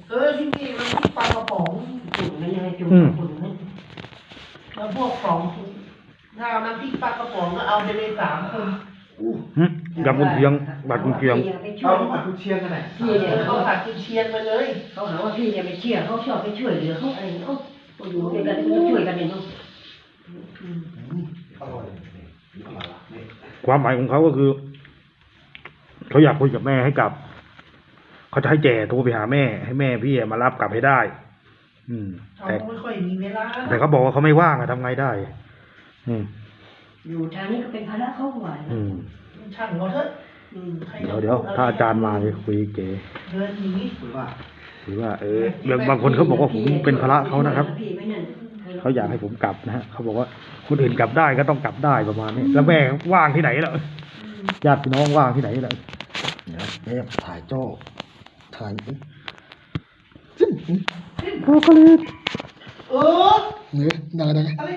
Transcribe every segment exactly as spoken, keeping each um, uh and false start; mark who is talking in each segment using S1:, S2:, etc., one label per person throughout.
S1: เออที่นี่มันที่ปลากระป๋องจุ่มมันยังไงจุ่มจุ่มนั่นแล้วพวกของถ้าเอาน้ำพริกปลากระป๋องก็เอาไปเลยสามคน
S2: ยำกุนเชียงบัดกุนเชียง
S3: เอาผัดกุนเชียงกันไหนพี่เนี่ย
S1: เขาผัดกุนเชียงไปเลย
S3: เขาหาว่าพี่เนี่ยไม่เชื่อเขาชอบไปช่วยเหลือเขาอะไรเนาะอยู่ด้วยกันก็ช่วยกันเนาะ
S4: อร่อย
S2: ความหมายของเขาก็คือเขาอยากคุยกับแม่ให้กลับเขาจะให้แจโทรไปหาแม่ให้แม่พี่มารับกลับให้ได้ อืม
S1: เขาไม่ค่อยมีเวลา
S2: แต่เขาบอกว่าเขาไม่ว่างอะทำไงได้อืม
S3: อยู่ทางนี้ก็เป็นภาระเขาหวาน
S2: อืม
S1: ช่างเขาเถอะ
S2: เดี๋ยวเดี๋ยวถ้าอาจารย์มาจะคุยเก๋
S1: เดินหนี
S3: หรือว่า
S2: หรือว่าเอออย่างบางคนเขาบอกว่าผมเป็นภาระเขานะครับเขาอยากให้ผมกลับนะฮะเขาบอกว่าคนอื่นกลับได้ก็ต้องกลับได้ประมาณนี้แล้วแม่ว่างที่ไหนล่ะญาติพี่น้องว่างที่ไหนล่ะ
S4: เดี๋ยวแม่ถ่ายโจ้ถ่าย
S2: พอก็เลย
S1: เออ
S4: เนี่ยดังดัง
S1: อะไร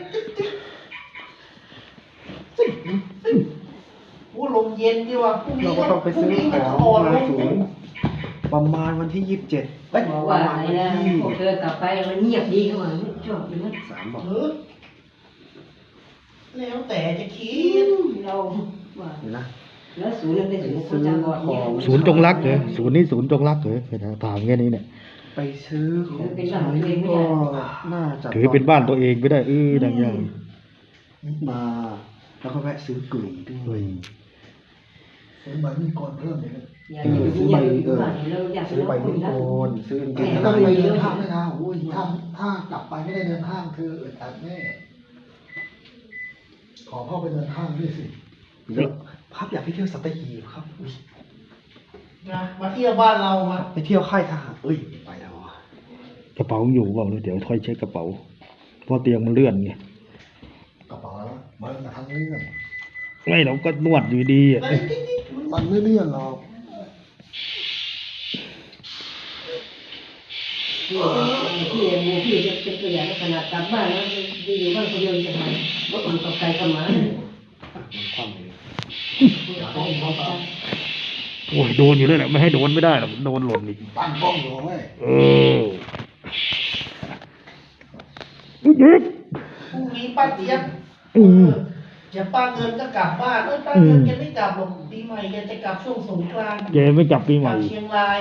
S1: โอ้ลมเย็นดีว่ะพรุ่งนี้
S4: เราก็ต้องไปซื้อของมาสูงประมาณวันที่ยี่สิบเจ็ด
S3: บอกว่าอะไรนะพวกเธอกลับไปมันเงียบดีเข้ามาชอบอย่างนั้น
S4: สามบอก
S1: แล้วแต่จะคิด
S3: เราว่า
S4: นะ
S3: แล้วศูนย์นั้นเป็นศูนย์คนจำบอดเนี่ย
S2: ศูนย์จงรักเหรอศูนย์นี้ศูนย์จงรักเหรอถามแค่นี้เนี่ย
S4: ไปซื้อของใช้ก็น่าจะ
S2: ถือเป็นบ้านตัวเองไม่ได้เออดังอย่าง
S4: มาแล้วก็แวะซื้อกุ๋ยด้วยซื้อใบมีกรเพิ่มเลยนะซื้อใบเออซื้อใบมีกรซื้อเก่งแล้วก็ไปเดินห้างไม่นะโอ้ยถ้าถ้ากลับไปไม่ได้เดินห้างคืออึดอัดแน่ขอพ่อไปเดินห้างด้วยสิเยอะครับอยากไปเที่ยวสัตหีบครับ
S1: นะมาเที่ยวบ้านเรามา
S4: ไปเที่ยวค่ายทหารเอ้ยไปแล้ว
S2: กระเป๋าอยู่เปล่าเดี๋ยวค่อยเช็คกระเป๋าเพราะเตียงมันเลื่อนไง
S4: กระเป๋ามันมาทางเลื่อน
S2: ไม่เราก็นวดอยู่ดีอ่ะ
S4: มันไม่เลื่อนหรอก
S3: พี่พี่พี่จะเป็นตัวอย่างขนาดกลับบ้านแล้วดีอยู่บ้านคนเดียวจะทำรถมันตกใจกันมา
S4: ความเลย
S2: โอ้ยโดนอยู่เลยแหละไม่ให้โดนไม่ได้หรอกโดนหล่นอีก
S4: ตั้งกล้องอยู่เว้ย
S2: เออยิบ
S1: พรุ่งนี้ป้าเจี๊ยบจะป้าเงินก็กลับบ้านเอ้ยป้าเงินแกไม่กลับหรอกปีใหม่แกจะกลับช่วงสงกรานต์
S2: แกไม่กลับปีใหม่
S1: เชียงราย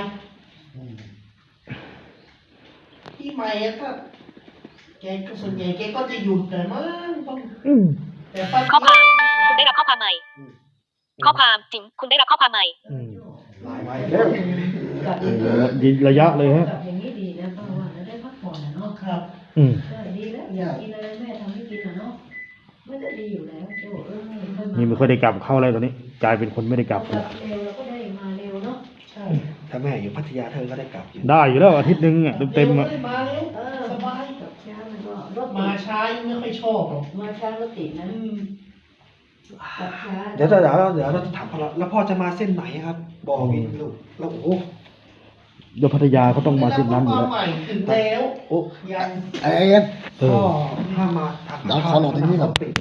S1: ปีใหม่ถ้าแกก็ส่วนใหญ่แกก็จะหยุดแต่มั้งต้องแต่ป้า
S5: ข้อความคุณได้รับข้อความใหม่ข้อความจริงคุณได้รับข้อความใหม่
S4: หลายวันแล้ว
S2: ยิงระยะเลยฮะ
S3: อย่างนี้ดีนะเพราะว่าได้พักผ่อนนะเนาะ
S1: ครับ
S2: อืม
S3: ดีแล้วอยากกินอะไรแม่ทำให้กินนะเนาะไม่ได้ดีอยู่แล้วโจ้เออ
S2: นี่ไม่ค่อยได้กลับเข้าอะไรตอนนี้กลายเป็นคนไม่ได้กลับ
S3: เร็วเราก็ได้มาเร็วเนาะ
S1: ใช่
S4: ถ้าแม่อยู่พัทยาเธอก็ได้กลับ
S2: ได้อยู่แล้วอาทิตย์นึงอ่ะเต็มๆอ่ะ
S1: มาเร็วสบาย
S3: กับช้ามันก็รถ
S1: มาช้ายังไม่ค่อยชอบหรอก
S3: มาช้ารถติดนะ
S4: เดี๋ยวเดี๋ยวเดี๋ยวเราจะถามพ่อแล้วพ่อจะมาเส้นไหนครับบอกอีกลูกแล้วโอ้
S2: โยพัทยาเขาต้องมาเส้นนั้นอยู่แล้ว
S1: ถึงแล้ว
S4: โอ้
S1: ยัง
S4: ไอ้เอ็นพ่อถ้ามาทางเขาหลอกที่นี่แบบ